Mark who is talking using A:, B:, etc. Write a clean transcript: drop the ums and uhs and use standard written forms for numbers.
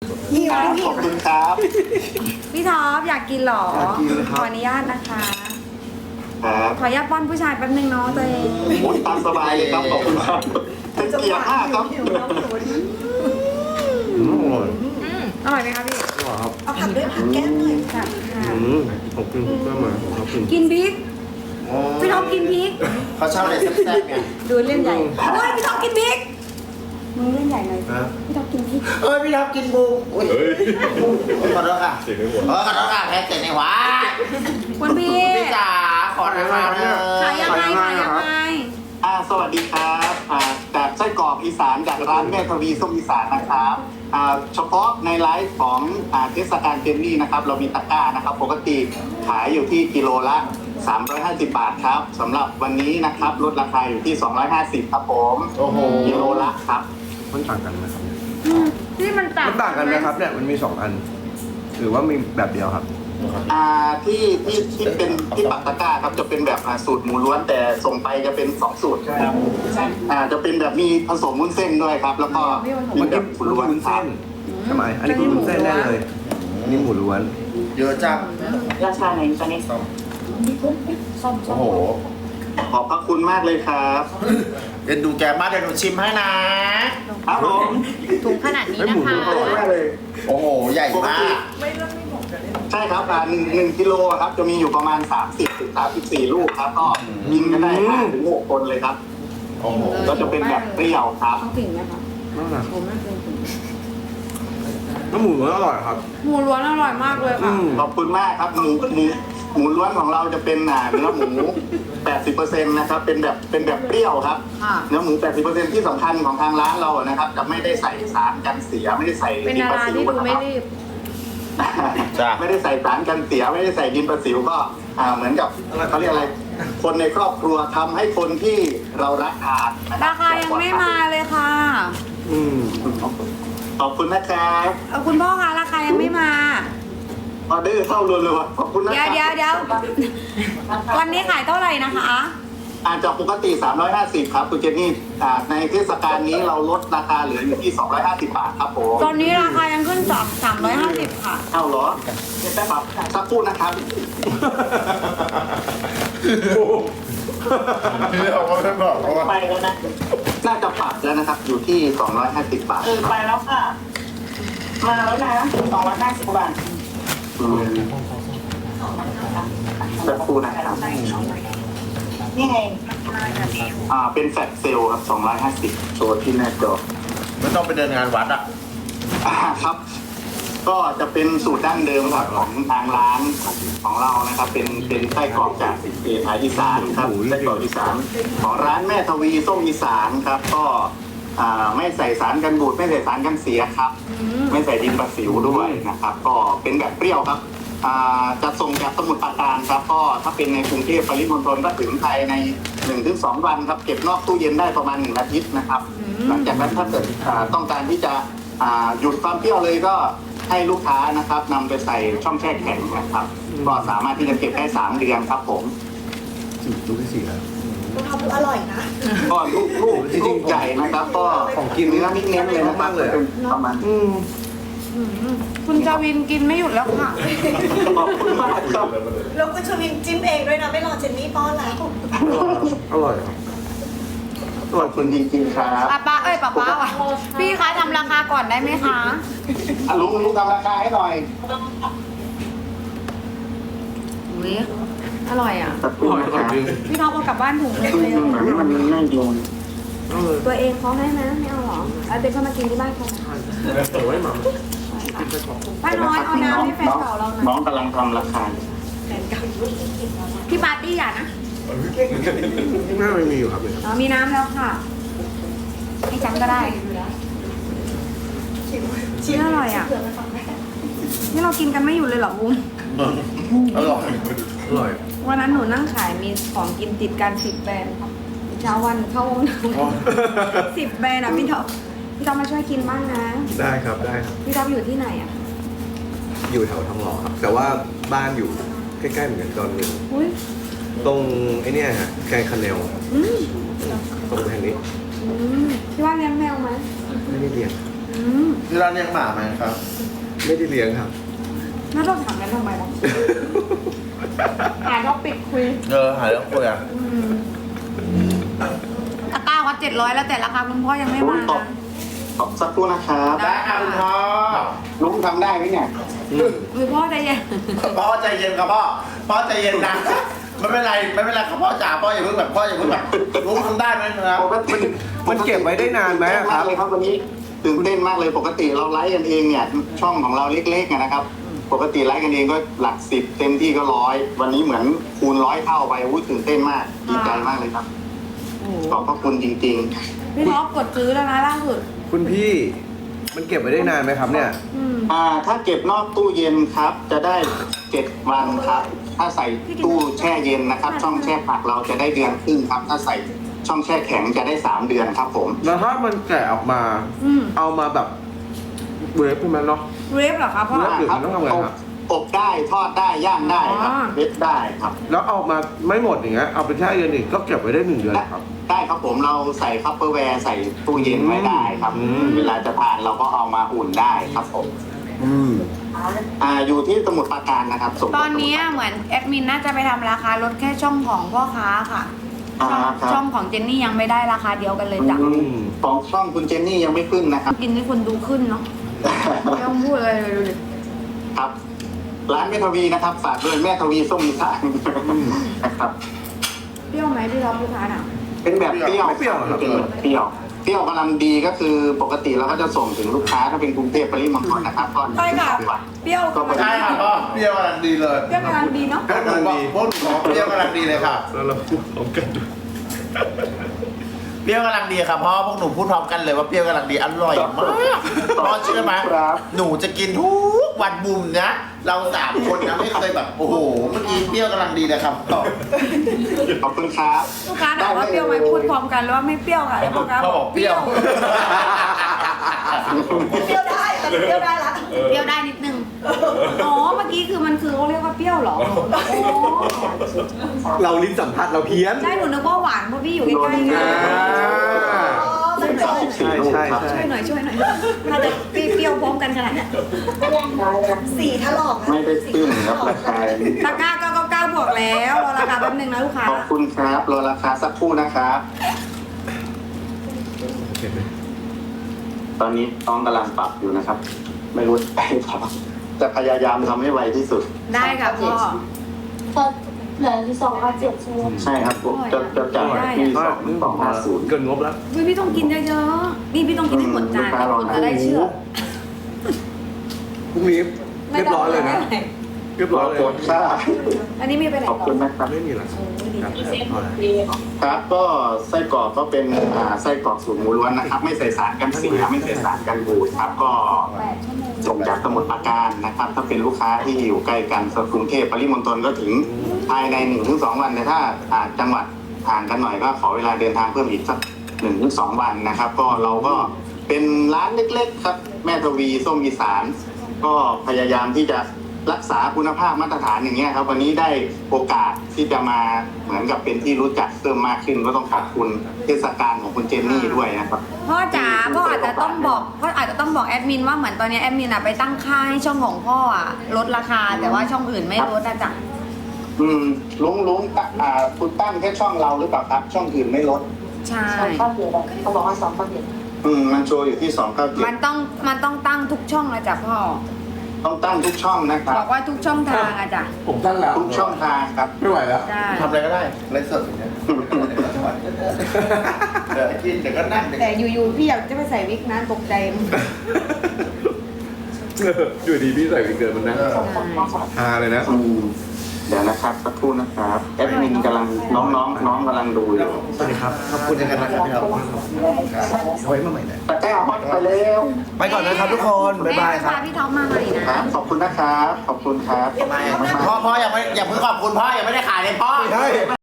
A: หิวขอบคุณครับ
B: พี่ท็อปอยากกินเหรอ
C: อยากกินครับ
B: ขออนุญาตนะคะ
A: ครับ
B: ขออนุญาตป้อนผู้ชายแป๊บนึงเนาะตัวเอง
A: โอ้ยตามสบายเลยครับขอบคุณครับเป็นเกียร์ห้าครับ
B: อร่อยไหมคะพี่
C: อร่อยครับ
D: เอาผักด้วยผักแก้มหน่อย
B: ค่ะค่ะ
C: ผมกินเพิ่มมาผมกิน
B: กินพริกพี่ท็อปกินพริก
A: เขาชอบอะไรแซ่บๆไง
B: ดูเล่นใหญ่เฮ้ยพี่ท็อปกินพริกมึงเล่นใหญ่หน่อย
C: นะ
B: พี่ท็อปกินพริก
A: เอ้ยพี่ท็อปกินบูอุ้ยขอโทษค่ะขอโทษค่ะแพ้เสร็จในหัว
B: คุณพี่
A: พี่จ๋าขอราคาเลย
B: ขายยังไงขายยังไง
A: สวัสดีครับจากไส้กรอกอีสานจากร้านแม่ทวีส้มอีสานนะครับเฉพาะในไลฟ์ของเทศกาลเจนนี่นะครับเรามีตะกร้านะครับปกติขายอยู่ที่กิโลละ350 บาทครับสำหรับวันนี้นะครับลดราคาอยู่ที่250ครับผมกิโลละครับ
C: มันต่างกันไหมครับ
B: ที่มันต่าง
C: มันต่างกันไหมครับเนี่ยมันมี2 อัน หรือว่ามีแบบเดียวครับ
A: ที่เป็นที่ปักตะกร้าครับจะเป็นแบบสูตรหมูล้วนแต่ส่งไปจะเป็น2 สูตรครับจะเป็นแบบมีผสมวุ้นเส้นด้วยครับ แล้วก็มีแบบหมูล้วน
C: วุ้น
A: ครั
C: เส้
A: บ
C: นทำไมอันนี้คือวุ้นเส้นแน่เลยอันนี้หมูล้วน
E: เยอะจัง
D: ราคาไหนตอนนี้ส้ม
E: โอ้โห
A: ขอบพระคุณมากเลยครับ
E: เดี๋ยวดูแกมากเดี๋ยวหนูชิมให้นะ
A: ครับผม
B: ถุงขนาดนี้
C: เฮ้ย
B: นะ
C: หมู
B: คะ
C: ล้วนอร่อยมากเลย
E: โอ้โห ใหญ่มาก
A: ใช่ครับหนึ่งกิโลครับจะมีอยู่ประมาณ30-34 ลูกครับก็กินกันได้5-6 คนเลยครับ
E: โอ้โห
A: ก็จะเป็นแบบเปรี้ยวครับ
B: ต้องถึงไหมคะ
C: นั่นแหละ
B: ผมไม่เคยถึง
C: แล้วหมูล้วนอร่อยครับ
B: หมูล้วนอร่อยมากเลยค่ะ
A: ขอบคุณมากครับหมูล้วนของเราจะเป็นเนื้อหมู 80% นะครับเป็นแบบเปรี้ยวครับ
B: ค่ะ
A: เนื้อหมู 80% ที่สำคัญของทางร้านเรานะครับจะไม่ได้ใส่สารกันเสียไม่ได้ใส่
B: เป็น
A: ดิน
B: ดา
A: ประ
B: รา
A: สิว
B: ที่ดู
A: นะ
B: ไม่
A: ครับ
B: รีบ
A: ไม่ได้ใส่สารกันเสียไม่ได้ใส่ดินประสิวก็เหมือนกับเขาเรียกอะไร คนในครอบครัวทำให้คนที่เรารักทานนะบ
B: ราคายังไม่มาเลยค่ะ
C: อืม
A: ขอบคุณนะครับ
B: คุณพ่อคะราคายังไม่มา
A: ออเดอร์เข้ารัวๆขอบคุณนะค
B: เดี๋ย
A: รั
B: วเดี๋ยวเดี๋ยววันนี้ขายเท่าไหร่นะคะ
A: จากปกติ350ครับคุณเจนนี่ในเทศกาลนี้เราลดราคาเหลืออยู่ที่250 บาทครับผม
B: ตอนนี้ราคายังขึ้นจาก350ค่ะ
A: เอาเหรอเดี๋ยวแป๊บครับสักครู่นะครับ
E: พี่เอาไม่บอกเพราะว่า
D: ไปแล้วนะ
A: น่าจะปรับแล้วนะครับ อยู่ที่250 บาท
D: ไปแล้วค่ะ มาแล้วนะ250 บาท
A: สักครู่นะครับ
D: นี่ไง
A: เป็นแฟลตเซลล์ครับ250โชว์ที่หน้าจอ
E: ไม่ต้องไปเดินงานวัดอ่ะ
A: ครับ ก็จะเป็นสูตรดั้งเดิมครับของทางร้านของเรานะครับ เป็นไส้กรอกจากอีสานครับไส้กรอกอีสานของร้านแม่ทวีส้มอีสานครับ ก็ไม่ใส่สารกันบูดไม่ใส่สารกันเสียครับ ไม่ใส่ดินประสิวด้วยนะครับ ก็เป็นแบบเปรี้ยวครับจะส่งจากสมุทรปราการครับ ก็ถ้าเป็นในกรุงเทพปริมณฑลก็ถึงไทยใน 1-2 วันครับ เก็บนอกตู้เย็นได้ประมาณ1 อาทิตย์นะครับ หลังจากนั้นถ้าเกิดต้องการที่จะหยุดความเปรี้ยวเลยก็ให้ลูกค้านะครับนำไปใส่ช่องแช่แข็งนะครับ ก็สามารถที่จะเก็บได้3 เดือนครับผม
C: ลูกที่4แล้ว
D: คุณทำอร่อยนะ
A: ก็ลูกใหญ่นะครับ ก็
C: ของกิน
A: เนื้อนิดเน้นเลยนะครับ
C: มากเลย
A: เป็นประมาณ
B: คุณจาวินกินไม่หยุดแล้วค่ะ
A: ขอบคุณมากครับ
D: แล้วคุณชวินจิ้มเองด้วยนะ ไม่รอเจนนี่ป้อนแล้ว
C: อร่อยครับ
A: ขอบคุณจริงๆครับ
B: ป้าว่ะพี่คะทำราคาก่อนได้ไหมคะ
A: ลุงทำราคาให้หน่อย
B: อุ้ยอร่อยอ่ะ
A: สักครู่นะค
C: อร่
A: รั
C: อบ ยจริง
B: พี่ท็อปเอากลับบ้านถุงเล็กเลย
A: แบบนี้มันน่าโยน
B: ตัวเองเขาให้ไหมไม่เอาหรอเอาเด็กเข้ามากินที่บ้านเขา
C: โอ้ยหมา
B: ป้าน้อยเอาน้ำให้แฟนเก่าเราหน่
A: น้
B: อ
A: อย งกำลังทำราคา
B: พี่ปาร์ตี้อย่านะ
C: น่าไม่มีอยู่ครับเนี่ย
B: มีน้ำแล้วค่ะให้จังก็ได้ชิ้นอร่อยอ่ะนี่เรากินกันไม่หยุดเลยเหรอบุ้ม
E: อร่อย
C: อร่อย
B: วันนั้นหนูนั่งขายมีของกินติดกัน10 แบรนด์ครับเช้าวันเข้าห้องน้ำ10 แบรนด์อ่ะพี่ท็อปมาช่วยกินบ้างนะ
C: ได้ครับได้ครับ
B: พี่ท็อปอยู่ที่ไหนอ่ะ
C: อยู่แถวทองหล่อครับ แต่ว่าบ้านอยู่ใกล้ๆเหมือนกันตอนหนึ่ง
B: อุ้ย
C: ตรงไอ้เนี่ยฮะแกงคาเนล
B: อืม
C: ตรงแห่งนี้
B: พี่ว่าเลี้ยงแมวไหม
C: ไม่ได้เรียน
B: ม
E: ที่ร้านเลี้ยงหมาไหมครับ
C: ไม่ได้เลี้ยงครับ
B: น่าต้องถามกันทำไมล่ะหาท็อปิกคุย
E: หาเรื่องคุยอ่ะ
B: ตะกร้าวัด700แล้วแต่ราคาคุณพ่อยังไม่มา
A: ตบ
B: นะ
A: ตบสักครู่นะครับ
E: ได้ค่ะคุณพ่อ
A: ลุงทำได้ไหมเนี่ย
B: คือพ่อใจเย็น
E: พ่อใจเย็นครับพ่อใจเย็นนะไม่เป็นไรครับพ่อจ๋าพ่ออย่าเพิ่งแบบลุงทำได้ไหมครับ
C: มันเก็บไว้ได้นานไหมอะครับ
A: ตื่นเต้นมากเลยครับวันนี้ตื่นเต้นมากเลยปกติเราไลฟ์กันเองเนี่ยช่องของเราเล็กๆนะครับ ปกติไลฟ์กันเองก็หลัก10เต็มที่ก็100วันนี้เหมือนคูณ100เท่าไปตื่นเต้นมากดีใจมากเลยครับ
B: โอ้โห
A: ขอบพระคุณจริง
B: พี่ท็อปกดซื้อแล้วนะล่าสุด
C: คุณพี่มันเก็บไว้ได้นานไหมครับเนี่ย
B: อืม
A: ๆถ้าเก็บนอกตู้เย็นครับจะได้7วันครับ ถ้าใส่ตู้แช่เย็นนะครับ ช่องแช่ผักเราจะได้เดือนครึ่งครับ ถ้าใส่ช่องแช่แข็งจะได้3เดือนครับผม
C: แล้วถ้ามันแกะออกมา
B: อืม
C: เอามาแบบเวฟขึ้นมาเนาะ
B: เรฟเหรอครับพ่อ
C: เรฟ หรือมันต้องทำไงครับ
A: อบได้ทอดได้ย่างได้ครับ
B: อ๋อ
A: เล็ดได้ครับ
C: แล้วเอามาไม่หมดอย่างเงี้ยเอาไปแช่เย็นอีกก็เก็บไว้ได้1 เดือนครับ
A: ได้ครับผมเราใส่คัพเปอร์แวร์ใส่ตู้เย็นไว้ได้ครับ
C: อืม
A: เวลาจะทานเราก็เอามาอุ่นได้ครับผม อยู่ที่สมุทรปราการนะครับส่ง
B: ตอนนี้เหมือนแอดมินน่าจะไปทำราคาลดแค่ช่องของพ่อค้าค่ะ ช่องของเจนนี่ยังไม่ได้ราคาเดียวกันเลยจ้ะ
A: ของช่องคุณเจนนี่ยังไม่ขึ้นนะครับ
B: กินให้คนดูขึ้นเนาะไม่ต้องพูดอะไรเลยดูดิ
A: ครับ ร้านแม่ทวีนะครับฝากด้วยแม่ทวีส้มอีสานนะครับ
B: เปรี้ยวไหมพี่ท็อปลูกค้าน่ะ
A: เป็นแบบเปรี้ยว
C: ไม่เปรี้ยวเหรอครับ
A: เป็นแบบเปรี้ยวเปรี้ยวกำลังดีก็คือปกติเราก็จะส่งถึงลูกค้าถ้าเป็นกรุงเทพปริมณฑลนะครับก็
B: ใช่ค่ะ
A: 2 วัน
B: เปรี้ยว
A: ก็
B: กำลัง
E: ใช่ค่ะพ่อเปรี้ยวกำลังดีเลย
B: เปรี้ยวกำลังดีเนาะ
E: พวกหนูบอกเปรี้ยวกำลังดีเลยค่ะ
C: แล้วเราพูดพร้อมกันด้วย
E: เปรี้ยวกำลังดีครับพ่อพวกหนูพูดพร้อมกันเลยว่าเปรี้ยวกำลังดีอร่อยมากพ่อเชื่อไหม
A: ครับ
E: หนูจะกินทุกวันบุมนะเรา3 คนนะไม่เคยแบบโอ้โหเมื่อกี้เปรี้ยวกำลังดีเลยครับพ่อ
A: ขอบคุณครับ
B: ลูกค้าถามว่าเปรี้ยวไหมพูดพร้อมกันแล้วว่าไม่เปรี้ยวค่ะแล้วพ่อค้า
E: เขาบอกเปรี้ยว
D: เปรี้ยวได้ตอนนี้เปรี้ยวได้ละ
B: เปรี้ยวได้นิดนึงอ๋อเมื่อกี้คือมันคือเขาเรียกว่าเปรี้ยวเหรออ๋อ
C: เราลิ้นสัมผัสเราเพี้ยน
B: ใช่หนูนึกว่าหวานเพราะพี่อยู่ใกล้ๆไง
C: ใช่ใช่ใช่
B: ช่วยหน่อยถ้าจะเปรี้ยวพร้อมกันขนาดเนี้ย
D: สีถลอกนะ
A: ไม่ได้ตื้นครับราคา
B: ตะกร้า999บวกแล้วรอราคาแป๊บนึงนะลูกค้า
A: ขอบคุณครับรอราคาสักครู่นะครับ
C: เห็นไหม
A: ตอนนี้น้องกำลังปรับอยู่นะครับ ไม่รู้ไปปรับจะพยายามทำให้ไวที่สุด
B: ได้ค่ะพ่อ
D: ก็เหลือที่2,700ใช่ไหม
A: ใช่ครับผมจะจ่ายที่250
C: เกินงบแล้ว
B: พี่ต้องกินเยอะๆนี่พี่ต้องกินให้หมดจานให้คนจะได้เชื่อ
C: พรุ่งนี้เรียบร้อยเลยนะ เรียบร้อยเลย
A: กดค่า
B: อันนี้มีไปไหน
A: ขอบ
B: ต่อ
A: คุณนะครับ
C: ไม่มีหรอกครับพอแล้ว
A: ครับก็ไส้กรอกก็เป็นไส้กรอกสูตรหมูล้วนนะครับ ไม่ใส่สารกันเสียไม่ใส่สารกันบูดครับก็
B: 8 ชั่วโมง
A: ส่งจากสมุทรปราการนะครับ ถ้าเป็นลูกค้าที่อยู่ใกล้กันกรุงเทพปริมณฑลก็ถึงภายใน 1-2 วันแต่ถ้าจังหวัดห่างกันหน่อยก็ขอเวลาเดินทางเพิ่มอีกสัก 1-2 วันนะครับ ก็เราก็เป็นร้านเล็กๆครับแม่ทวีส้มอีสาน ก็พยายามที่จะรักษาคุณภาพมาตรฐานอย่างเงี้ยครับ วันนี้ได้โอกาสที่จะมาเหมือนกับเป็นที่รู้จักเพิ่มมากขึ้น ก็ต้องขอบคุณเทศกาลของคุณเจนนี่ด้วยนะครับ
B: พ่อจ๋าพ่ออาจจะต้องบอกแอดมินว่าเหมือนตอนนี้แอดมินไปตั้งค่าให้ช่องของพ่อลดราคาแต่ว่าช่องอื่นไม่ลดนะจ๊ะ
A: ลุงคุณตั้งแค่ช่องเราหรือเปล่าครับ ช่องอื่นไม่ลด
B: ใช่
D: 2,700เขาบอกว่า2,700
A: มันโชว์อยู่ที่297
B: มันต้องตั้งทุกช่องเลยจ้ะพ่อ
A: ต้องตั้งทุกช่องนะครั
B: บบ อกว่าทุกช่องทางอะจ้ะ
C: ผมตั้งแล้ว
A: ทุกช่องทางครับ
C: ไม่ไหวแล้ว
B: ใช่
E: ทำอะไรก็ได้ไลฟ์สดอย่างเงี้ยเดี๋ยวกินเดี๋ยวก็นั่งเดี๋ยว
B: แต่อยู่ๆพี่อยากจะไปใส่วิกนะตกใจ
C: อยู่ดีพี่ใส่วิกเกินมันนะฮาเลยนะ
A: เดี๋ยวนะครับสักครู่นะครับแอดมินกำลังน้องกำลังดูอยู่
C: สวัสดีครับ
E: ขอบคุณยังไงนะครับพี่ครับ
C: ไว้มาใหม่นะ
A: ตะกร้าฮอตไปเร็ว
C: ไปก่อนนะครับทุกคน บ๊ายบายครับ
B: แม่พาพี่ท็อปมาใหม่นะ
A: ครับขอบคุณนะครับ ขอบคุณครับ
E: พ่อยังไม่อย่าเพิ่งขอบคุณพ่อยังไม่ได้ขายเลยพ่อ
C: ใช่